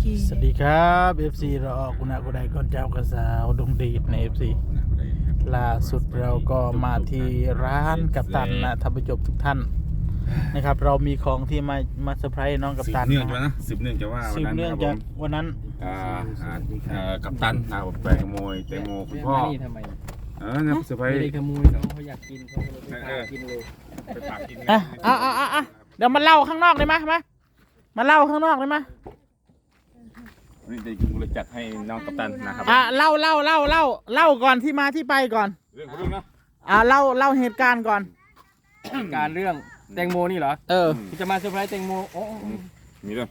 สวัสดีครับ FC เราออกกุณะกุไดก่อนเจ้ากระสาวดงดีดใน FC ล่าสุดเราก็มาที่ร้านกัปตันนะท่านผู้ชมทุกท่านนะครับเรามีของที่มาเซอร์ไพรส์น้องกัปตันสืบเนื่องจากนะสืบเนื่องจากว่าสืบเนื่องจากวันนั้นกัปตันไปขโมยแตงโมคุณพ่อนี่ทำไมเนี่ยเซอร์ไพรไม่ส์ได้ขโมยเขาอยากกินเขาเลยไปกินเลยไปฝากกินอ่ะเดี๋ยวมาเล่าข้างนอกได้ไหมมาเล่าข้างนอกได้ไหมนี่ได้กูเลยจัดให้น้องกัปตันนะครับเล่าก่อนที่มาที่ไปก่อนเรื่องของเรื่องนะเล่าเหตุการณ์ก่อนการเรื่องแตงโมนี่เหรอที่จะมาเซอร์ไพรส์แตงโมโอ้มีเรื่อง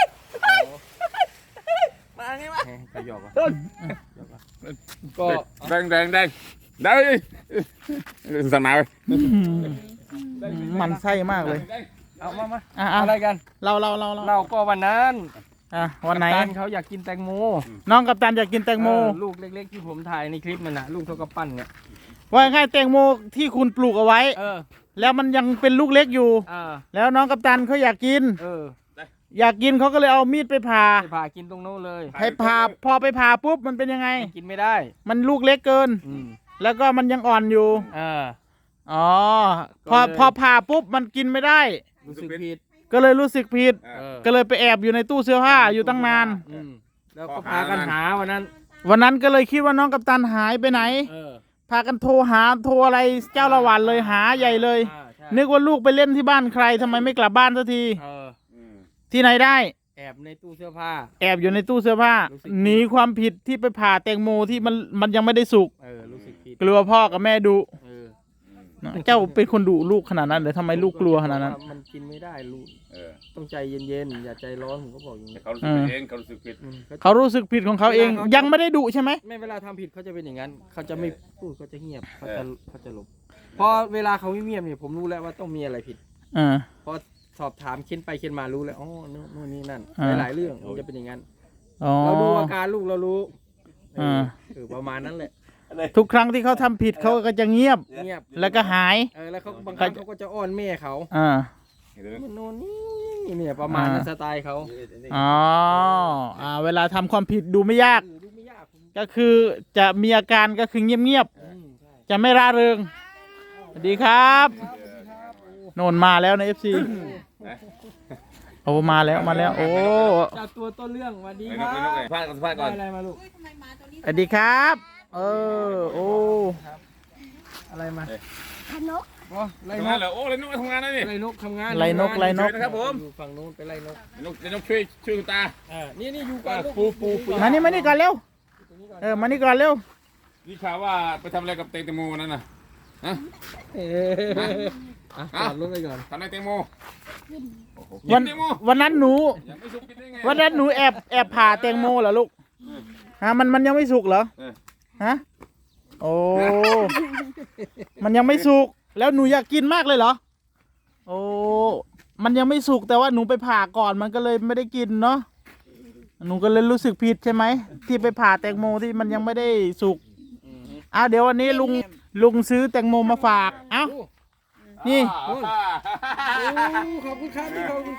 มาไงวะไปหยอกอ่ะก็แดงได้สั่งมาเลยมันไส้มากเลยเอามาอ่ะอะไรกันเราเราก็วันนั้นวันไหนกัปตัเขาอยากกินแตงโมน้องกัปตันอยากกินแตงโมลูกเล็กๆที่ผมถ่ายในคลิปมันนะลูกเท่ากับปั้นเนี่ยว่าง่ายแตงโมที่คุณปลูกเอาไว้ แล้วมันยังเป็นลูกเล็กอยู่ แล้วน้องกัปตันเขาอยากกิน อยากกินเขาก็เลยเอามีดไปผ่าไปผ่ากินตรงโน้นเลยให้ผ่าพอไปผ่าปุ๊บมันเป็นยังไงกินไม่ได้มันลูกเล็กเกิน แล้วก็มันยังอ่อนอยู่อ๋อพอผ่าปุ๊บมันกินไม่ได้รู้สึกผิดก็เลยรู้สึกผิด ก็เลยไปแอบอยู่ในตู้เสื้อผ้าอยู่ตั้งนานแล้วก็พากันหาวันนั้นวันนั้นก็เลยคิดว่าน้องกัปตันหายไปไหน พากันโทรอะไรเจ้าละวันเลยหาใหญ่เลย นึกว่าลูกไปเล่นที่บ้านใครทำไมไม่กลับบ้านสักทีที่ไหนได้แอบในตู้เสื้อผ้าแอบอยู่ในตู้เสื้อผ้ารู้สึกหนีความผิดที่ไปผ่าแตงโมที่มันยังไม่ได้สุกรู้สึกผิดกลัวพ่อกับแม่ดุเจ้าเป็นคนดุลูกขนาดนั้นหรือทำไมลูกกลัวขนาดนั้นมันกินไม่ได้ลูกต้องใจเย็นๆอย่าใจร้อนผมก็บอกอย่างนี้เขารู้สึกเองเขารู้สึกผิดเขารู้สึกผิดของเขาเองยังไม่ได้ดุใช่ไหมไม่เวลาทำผิดเขาจะเป็นอย่างนั้นเขาจะไม่พูดเขาจะเงียบเขาจะหลบพอเวลาเขาไม่เงียบเนี่ยผมรู้แล้วว่าต้องมีอะไรผิดพอสอบถามเค้นไปเค้นมารู้แล้วอ๋อนู่นนี่นั่นหลายเรื่องมันจะเป็นอย่างนั้นเราดูอาการลูกเรารู้ประมาณนั้นแหละทุกครั้งที่เขาทำผิดเขาก็จะเงียบแล้วก็หายแล้วเขาบางครั้งเขาก็จะอ้อนแม่เขาโน่นนี่เนี่ยประมาณนั้นสไตล์เขาเวลาทำความผิดดูไม่ยากก็คือจะมีอาการก็คือเงียบๆจะไม่ร่าเริงสวัสดีครับโนนมาแล้วใน FC โอ้มาแล้วโอ้จากตัวต้นเรื่องสวัสดีไปครันกไปนกไปพลาดก่อนอะไรมาลูกสวัสดีครับโอ้อะไรมานกไล่ทำนงานกเหรอโอ้เลยนกทำงานนะนี่ไล่นกทำงานไล่นกนะครับผมอยู่ฝั่งนู้นไปไล่นกนกช่วยคุณตานี่อยู่ก่อนลูกปูมานี่ก่อนเร็วมานี่ก่อนเร็วนี่ข่าวว่าไปทำอะไรกับแตงโมนั่นน่ะจอดรถไปก่อนทำอะไรแตงโมวันนั้นหนูยังไม่สุกกินได้ไงวันนั้นหนูแอบผ่าแตงโมเหรอลูกมันยังไม่สุกเหรอโอ้มันยังไม่สุกแล้วหนูอยากกินมากเลยเหรอโอ้มันยังไม่สุกแต่ว่าหนูไปผ่าก่อนมันก็เลยไม่ได้กินเนาะหนูก็เลยรู้สึกผิดใช่ไหมที่ไปผ่าแตงโมที่มันยังไม่ได้สุกเดี๋ยววันนี้ลุงซื้อแตงโมมาฝากนี่ขอบคุณครับขอบคุณ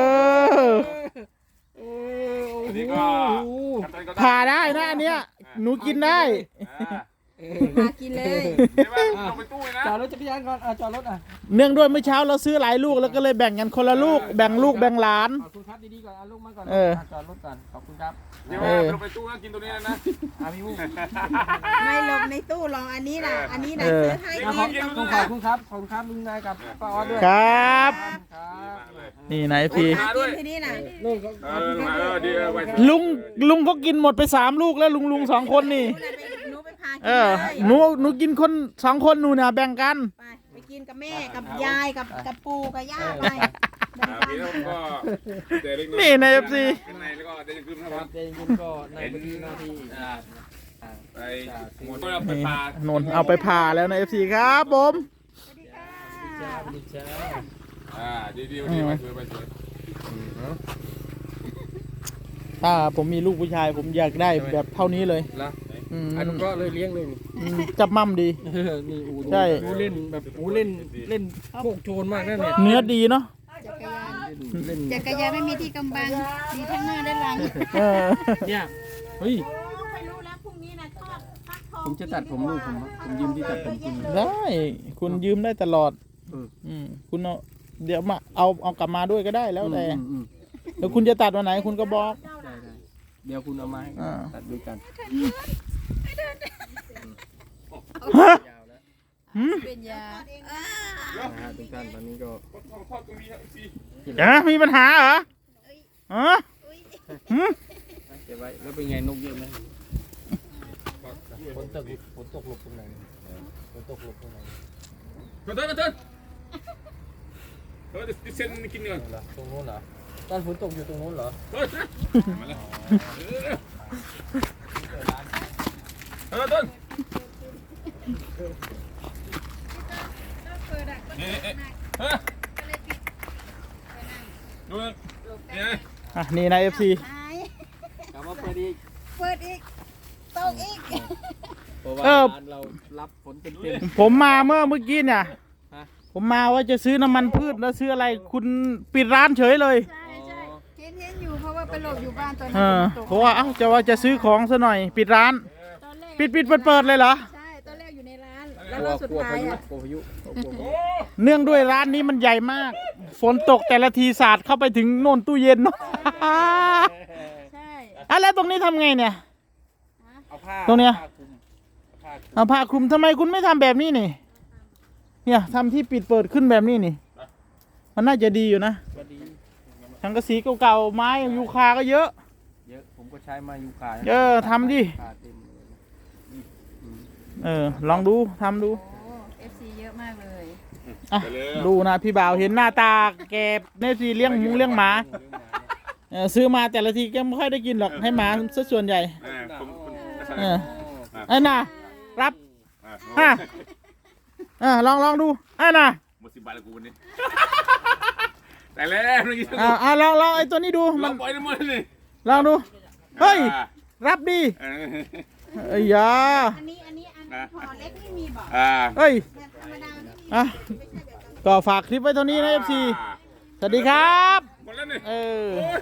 นี่ก็ผ่าได้นะอันเนี้ยหนูกินได้มากินเลยลงไปตู้นะจอดรถจักรยานก่อนจอดรถเนื่องด้วยเมื่อเช้าเราซื้อหลายลูกแล้วก็เลยแบ่งกันคนละลูกแบ่งลูกแบ่งหลานขอบคุณครับดีๆก่อนลูกมาก่อนจอดรถก่อนขอบคุณครับเดี๋ยวลงไปตู้นะกินตัวนี้นะพี่วุ้ไม่หลบในตู้ลองอันนี้นะซื้อให้ขอบคุณครับลุงนายกับป้าออสด้วยครับนี่นายพี่กินที่นี่นะลุงก็กินหมดไป3 ลูกแล้วลุง2 คนนี่หนูไปพากินหนูกินคน2 คนหนูเนี่ยแบ่งกันไปกินกับแม่กับยายกับปู่กับย่าไปนี่ใน FC แล้วก็เดี๋ยวจะขึ้นนะครับเจนคุณก็ในพื้นที่หน้าที่ไปหมดแล้วไปพานนเอาไปผ่าแล้วใน FC ครับผมดีจ้าดีไปสวยถ้าผมมีลูกผู้ชายผมอยากได้แบบเท่านี้เลยแล้วอันนั้นก็เลยเลี้ยงเลยจับมั่มดีนี่อูใช่เล่นแบบอูเล่นโคกโชนมากนั่นเนี่ยเนื้อดีเนาะเล่นจักรยานไม่มีที่กำบังมีทั้งหน้าและหลังเออเนี่ยเฮ้ยไม่รู้แล้วพรุ่งนี้นะทอดฟักทองผมจะตัดผมลูกผมยืมที่ตัดผมจริงได้คุณยืมได้ตลอด คุณเอาเดี๋ยวมาเอากลับมาด้วยก็ได้แล้วแต่แล้วคุณจะตัดวันไหนคุณก็บอกได้เดี๋ยวคุณเอามาให้ตัดด้วยกันฮะยาวแล้วเป็นยานะฮะทุกท่านตอนนี้ก็มีปัญหาเหรอฮะเก็บไว้แล้วเป็นไงนกเยอะไหมฝนตกหลบตรงไหนฝนตกหลบตรงไหนมาเดินเส้นกินก่อนเหรอตรงโน้นเหรอตอนฝนตกอยู่ตรงโน้นเหรอมาแล้วเดินดูนี่นี่นะ FC กลับมาเปิดอีกเปิดอีกตกอีกเพราะว่าเออร้านเรารับฝนเต็มผมมาเมื่อกี้เนี่ยฮะผมมาว่าจะซื้อน้ำมันพืชแล้วซื้ออะไรคุณปิดร้านเฉยเลยใช่ใช่เห็นอยู่เพราะว่าไปหลบอยู่บ้านตอนเอนั้นอฝนตกเพราะว่าจะซื้อของซะหน่อย ปิดร้านตอนแรกปิดเปิดเลยเหรอใช่ตอนแรกอยู่ในร้านๆแล้วกลัวรอบสุดกลัวท้าพาย ยุอ่ะกลัวพายุกลัวพายุเนื่องด้วยร้านนี้มันใหญ่มาก ฝนตกแต่ละทีสาดเข้าไปถึงโน่นตู้เย็นใช่อ่ะแล้วตรงนี้ทำไงเนี่ยเอาผ้าตรงเนี้ยผ้าคลุมเอาผ้าคลุมทำไมคุณไม่ทำแบบนี้นี่ เนี่ยทำที่ปิดเปิดขึ้นแบบนี้นี่ มันน่าจะดีอยู่นะก็ดีสังกะสีเก่าๆไม้ยูคาก็เยอะเยอะผมก็ใช้มายูคาทำดิคาเต็มเลยลองดูทำดูโอ้ FC เยอะมากเลยอ่ะดูนะพี่บ่าวเห็นหน้าตาแกเนฟซีเลี้ยงมุ้งเลี้ยงหมาซื้อมาแต่ละทีก็ไม่ค่อยได้กินหรอกให้หมาซะส่วนใหญ่ เออไอ้น่ะรับลองดูไอ้น่ะหมด10 บาทแล้วกูวันนี้แต่แล้วนี่ลองไอ้ตัวนี้ดูมัมัน นปล่อยทั้งหมดเลยลองดูเฮ้ยรับดีไอ้ยาอันนี้อันห่อเล็กไม่มีบอกเฮ้ยแบบธรรมดาไม่มีอ่ะก็ฝากคลิปไว้เท่านี้นะ FC สวัสดีครับหมดแล้วนี่เออโอ้ย